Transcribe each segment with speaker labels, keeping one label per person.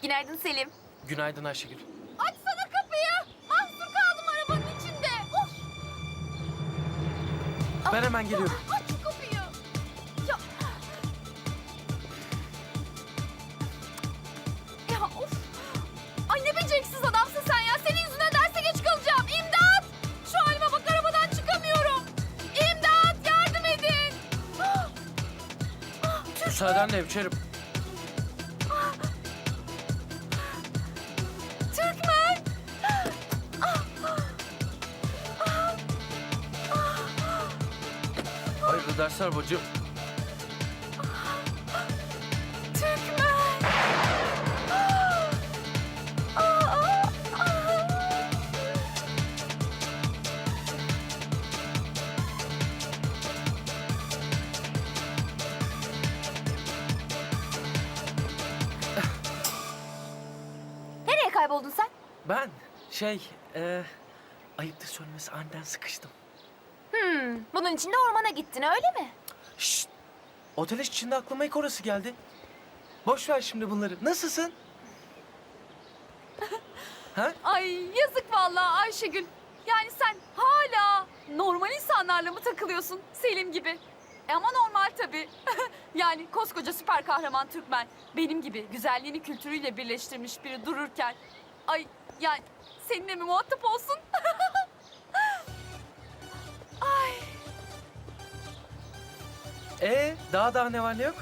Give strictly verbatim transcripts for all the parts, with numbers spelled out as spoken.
Speaker 1: Günaydın Selim.
Speaker 2: Günaydın Ayşegül.
Speaker 1: Açsana kapıyı. Mahsur kaldım arabanın içinde. Of.
Speaker 2: Ben hemen geliyorum.
Speaker 1: Aç şu kapıyı. Ya. Ya of. Ay ne beceriksiz adamsın sen ya. Senin yüzünden derse geç kalacağım. İmdat. Şu halime bak, arabadan çıkamıyorum. İmdat, yardım edin.
Speaker 2: Müsaadenle hemşerim.
Speaker 1: Türkmen.
Speaker 2: Hayırlı dersler bacım.
Speaker 1: Türkmen. Nereye kayboldun sen?
Speaker 2: Ben şey, e, ayıptır söylemesi aniden sıkıştım.
Speaker 1: Hmm, bunun için de ormana gittin öyle mi?
Speaker 2: Şşt! Otel içinde aklıma ilk orası geldi. Boş ver şimdi bunları. Nasılsın? Ha?
Speaker 3: Ay yazık vallahi Ayşegül. Yani sen hala normal insanlarla mı takılıyorsun Selim gibi? E ama normal tabii. Yani koskoca süper kahraman Türkmen benim gibi güzelliğini kültürüyle birleştirmiş biri dururken... Ay yani seninle mi muhatap olsun? Ay
Speaker 2: Ee, daha daha ne var ne yok?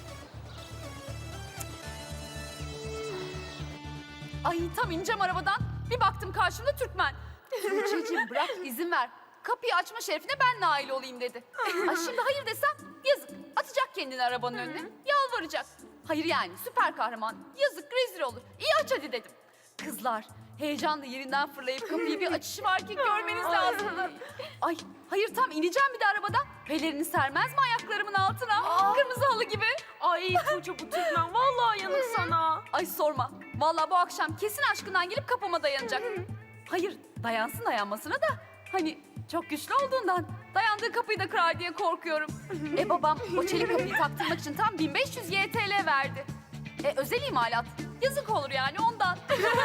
Speaker 3: Ay tam ineceğim arabadan. Bir baktım karşımda Türkmen. Tuğçe'cim bırak izin ver. Kapıyı açma şerefine ben nail olayım dedi. Ay şimdi hayır desem yazık. Atacak kendini arabanın önüne. Yalvaracak. Hayır yani süper kahraman. Yazık rezil olur. İyi aç hadi dedim. Kızlar heyecanla yerinden fırlayıp kapıyı bir açışı var ki görmeniz lazımdı. Ay hayır tam ineceğim bir de arabadan. Pelerini sermez mi ayaklarımın altına? Kırmızı halı gibi.
Speaker 4: Ay Tuğçe bu Türkmen vallahi yanık sana.
Speaker 3: Ay sorma. Vallahi bu akşam kesin aşkından gelip kapıma dayanacak. Hayır, dayansın dayanmasına da hani çok güçlü olduğundan dayandığı kapıyı da kırar diye korkuyorum. E babam o çelik kapıyı taktırmak için tam bin beş yüz Y T L verdi. E özel imalat. Yazık olur yani ondan.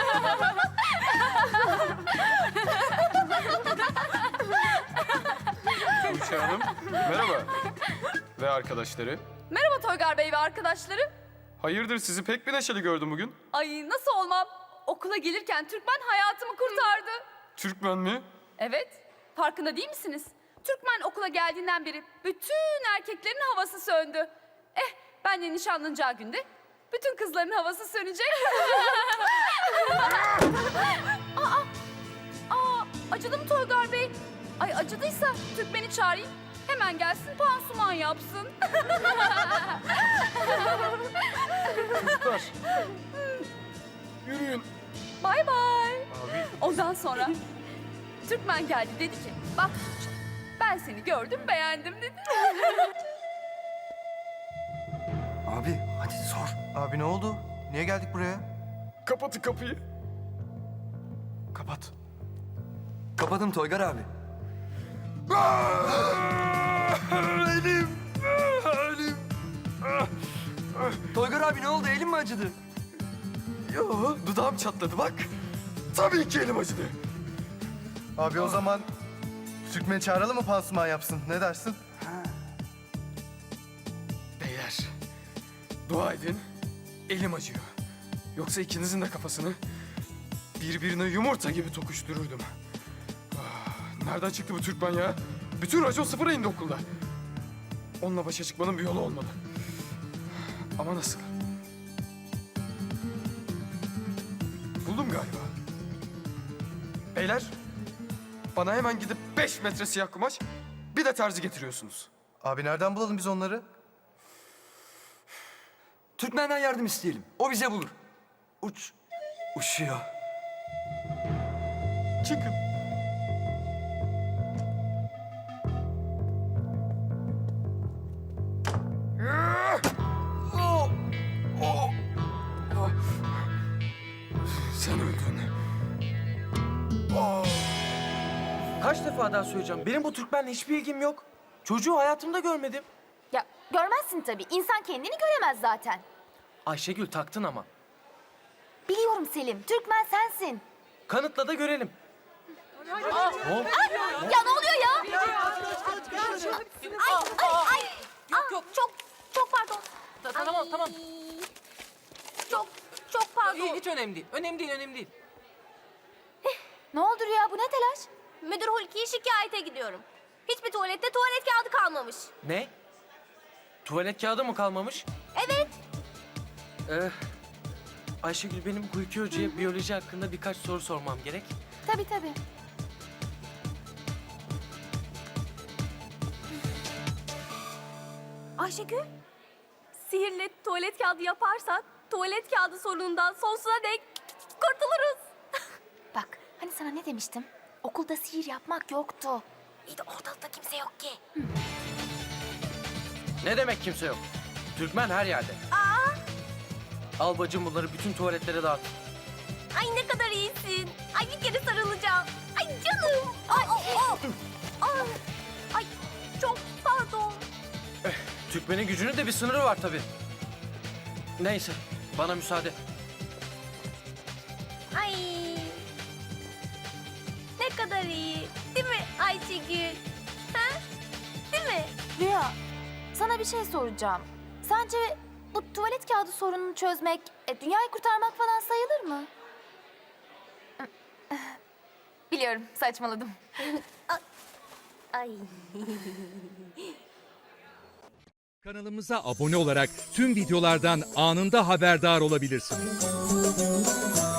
Speaker 5: Tuğçe Hanım, merhaba. Ve arkadaşları.
Speaker 3: Merhaba Toygar Bey ve arkadaşları.
Speaker 5: Hayırdır sizi pek bir neşeli gördüm bugün.
Speaker 3: Ay nasıl olmam? Okula gelirken Türkmen hayatımı kurtardı.
Speaker 5: Türkmen mi?
Speaker 3: Evet, farkında değil misiniz? Türkmen okula geldiğinden beri bütün erkeklerin havası söndü. Eh, benle nişanlanacağı günde bütün kızların havası sönecek. aa, aa, acıdı mı Toygar Bey? Ay acıdıysa Türkmen'i çağırayım. Hemen gelsin pansuman yapsın.
Speaker 5: Çocuklar. Yürüyün.
Speaker 3: Bay bay.
Speaker 5: Abi.
Speaker 3: Ondan sonra Türkmen geldi dedi ki bak ben seni gördüm beğendim dedi.
Speaker 6: Abi hadi sor. Abi ne oldu? Niye geldik buraya?
Speaker 5: Kapatın kapıyı. Kapat.
Speaker 6: Kapadım Toygar abi.
Speaker 5: Elim. Elim.
Speaker 6: Toygar abi ne oldu? Elin mi acıdı?
Speaker 5: Yo, dudağım çatladı bak. Tabii ki elim acıdı.
Speaker 7: Abi o zaman Türkmen'i çağıralım mı pansuman yapsın? Ne dersin?
Speaker 5: Beyler, dua edin. Elim acıyor. Yoksa ikinizin de kafasını birbirine yumurta gibi tokuştururdum. Ah, nereden çıktı bu Türkmen ya? Bütün racon sıfıra indi okulda. Onunla başa çıkmanın bir yolu olmalı. Ama nasıl? Buldum galiba. Beyler, bana hemen gidip beş metre siyah kumaş, bir de terzi getiriyorsunuz.
Speaker 7: Abi nereden bulalım biz onları?
Speaker 6: Türkmen'den yardım isteyelim. O bize bulur. Uç. Uçuyor.
Speaker 5: Çıkın. Sen öldün.
Speaker 2: Kaç defa daha söyleyeceğim. Benim bu Türkmenle hiçbir ilgim yok. Çocuğu hayatımda görmedim.
Speaker 1: Ya görmezsin tabii. İnsan kendini göremez zaten.
Speaker 2: Ayşegül taktın ama.
Speaker 1: Biliyorum Selim. Türkmen sensin.
Speaker 2: Kanıtla da görelim. Ne oldu?
Speaker 1: Ya ne oluyor ya? Ay ay ay. Yok yok. Çok çok pardon.
Speaker 2: Tamam tamam.
Speaker 1: Çok çok pardon.
Speaker 2: Hiç önemli değil. Önemli değil, önemli değil.
Speaker 1: Ne oldu Rüya? Bu ne telaş? Müdür Hulki'ye şikayete gidiyorum. Hiçbir tuvalette tuvalet kağıdı kalmamış.
Speaker 2: Ne? Tuvalet kağıdı mı kalmamış?
Speaker 1: Evet.
Speaker 2: Ee, Ayşegül, benim Hulki Hoca'ya biyoloji hakkında birkaç soru sormam gerek.
Speaker 1: Tabii tabii. Ayşegül, sihirle tuvalet kağıdı yaparsak tuvalet kağıdı sorunundan sonsuza dek kurtuluruz. Bak, hani sana ne demiştim? Okulda sihir yapmak yoktu. İyi de ortalıkta kimse yok ki.
Speaker 2: Ne demek kimse yok? Türkmen her yerde.
Speaker 1: Aa,
Speaker 2: Al bacım, bunları bütün tuvaletlere dağıt.
Speaker 1: ay ne kadar iyisin. Ay bir kere sarılacağım. Ay canım. Ay, ay, ay çok pardon.
Speaker 2: Türkmenin gücünün de bir sınırı var tabii. Neyse, bana müsaade.
Speaker 1: Ay. Ne kadar iyi. Değil mi Ayşegül? Ha? Değil mi?
Speaker 8: Rüya, sana bir şey soracağım. Sence bu tuvalet kağıdı sorununu çözmek, e, dünyayı kurtarmak falan sayılır mı? Biliyorum, saçmaladım.
Speaker 1: Ay.
Speaker 9: Kanalımıza abone olarak tüm videolardan anında haberdar olabilirsiniz.